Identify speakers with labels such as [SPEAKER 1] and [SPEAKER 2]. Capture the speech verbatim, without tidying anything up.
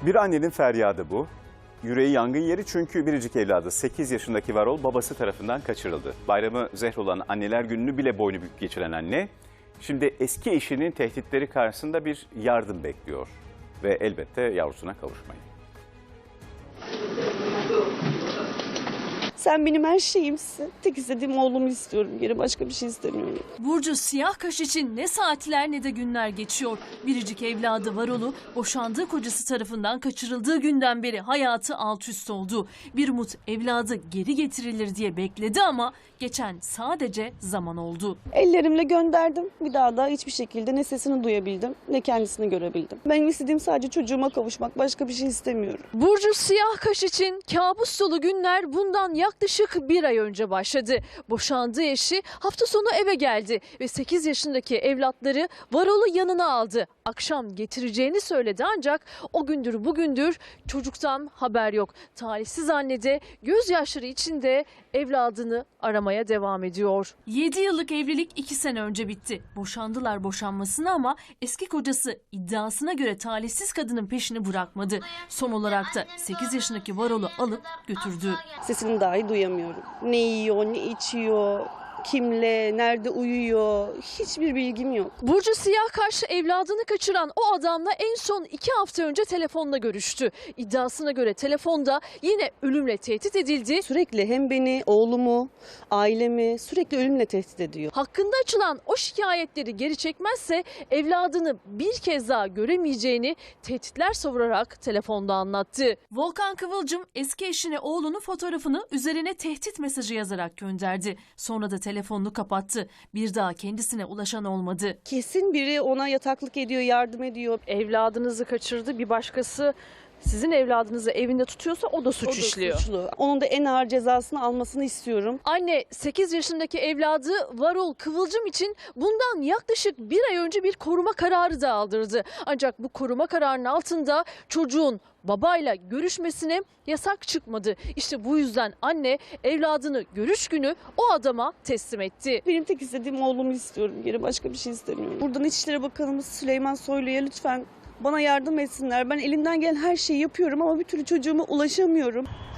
[SPEAKER 1] Bir annenin feryadı bu. Yüreği yangın yeri çünkü biricik evladı sekiz yaşındaki Varol babası tarafından kaçırıldı. Bayramı zehr olan Anneler Günü'nü bile boynu bükük geçiren anne, şimdi eski eşinin tehditleri karşısında bir yardım bekliyor. Ve elbette yavrusuna kavuşmayı.
[SPEAKER 2] Sen benim her şeyimsin. Tek istediğim oğlumu istiyorum. Geri başka bir şey istemiyorum.
[SPEAKER 3] Burcu siyah kaş için ne saatler ne de günler geçiyor. Biricik evladı Varol'u boşandığı kocası tarafından kaçırıldığı günden beri hayatı alt üst oldu. Bir umut evladı geri getirilir diye bekledi ama geçen sadece zaman oldu.
[SPEAKER 2] Ellerimle gönderdim. Bir daha da hiçbir şekilde ne sesini duyabildim ne kendisini görebildim. Benim istediğim sadece çocuğuma kavuşmak. Başka bir şey istemiyorum.
[SPEAKER 3] Burcu siyah kaş için kabus dolu günler bundan yaklaşık bir ay önce başladı. Boşandığı eşi hafta sonu eve geldi ve sekiz yaşındaki evlatları Varol'u yanına aldı. Akşam getireceğini söyledi ancak o gündür bugündür çocuktan haber yok. Talihsiz anne de gözyaşları içinde evladını aramaya devam ediyor. yedi yıllık evlilik iki sene önce bitti. Boşandılar boşanmasına ama eski kocası iddiasına göre talihsiz kadının peşini bırakmadı. Son olarak da sekiz yaşındaki Varol'u alıp götürdü.
[SPEAKER 2] Sesini dahi duyamıyorum. Ne yiyor, ne içiyor, kimle, nerede uyuyor hiçbir bilgim yok.
[SPEAKER 3] Burcu siyah kaş evladını kaçıran o adamla en son iki hafta önce telefonla görüştü. İddiasına göre telefonda yine ölümle tehdit edildi.
[SPEAKER 2] Sürekli hem beni, oğlumu, ailemi sürekli ölümle tehdit ediyor.
[SPEAKER 3] Hakkında açılan o şikayetleri geri çekmezse evladını bir kez daha göremeyeceğini tehditler savurarak telefonda anlattı. Volkan Kıvılcım eski eşine oğlunun fotoğrafını üzerine tehdit mesajı yazarak gönderdi. Sonra da telefonunu kapattı. Bir daha kendisine ulaşan olmadı.
[SPEAKER 2] Kesin biri ona yataklık ediyor, yardım ediyor.
[SPEAKER 3] Evladınızı kaçırdı, bir başkası sizin evladınızı evinde tutuyorsa o da suç
[SPEAKER 2] O da
[SPEAKER 3] işliyor.
[SPEAKER 2] suçlu. Onun da en ağır cezasını almasını istiyorum.
[SPEAKER 3] Anne sekiz yaşındaki evladı Varol Kıvılcım için bundan yaklaşık bir ay önce bir koruma kararı da aldırdı. Ancak bu koruma kararının altında çocuğun babayla görüşmesine yasak çıkmadı. İşte bu yüzden anne evladını görüş günü o adama teslim etti.
[SPEAKER 2] Benim tek istediğim oğlumu istiyorum. Geri başka bir şey istemiyorum. Buradan İçişleri Bakanımız Süleyman Soylu'ya lütfen bana yardım etsinler. Ben elimden gelen her şeyi yapıyorum ama bir türlü çocuğuma ulaşamıyorum.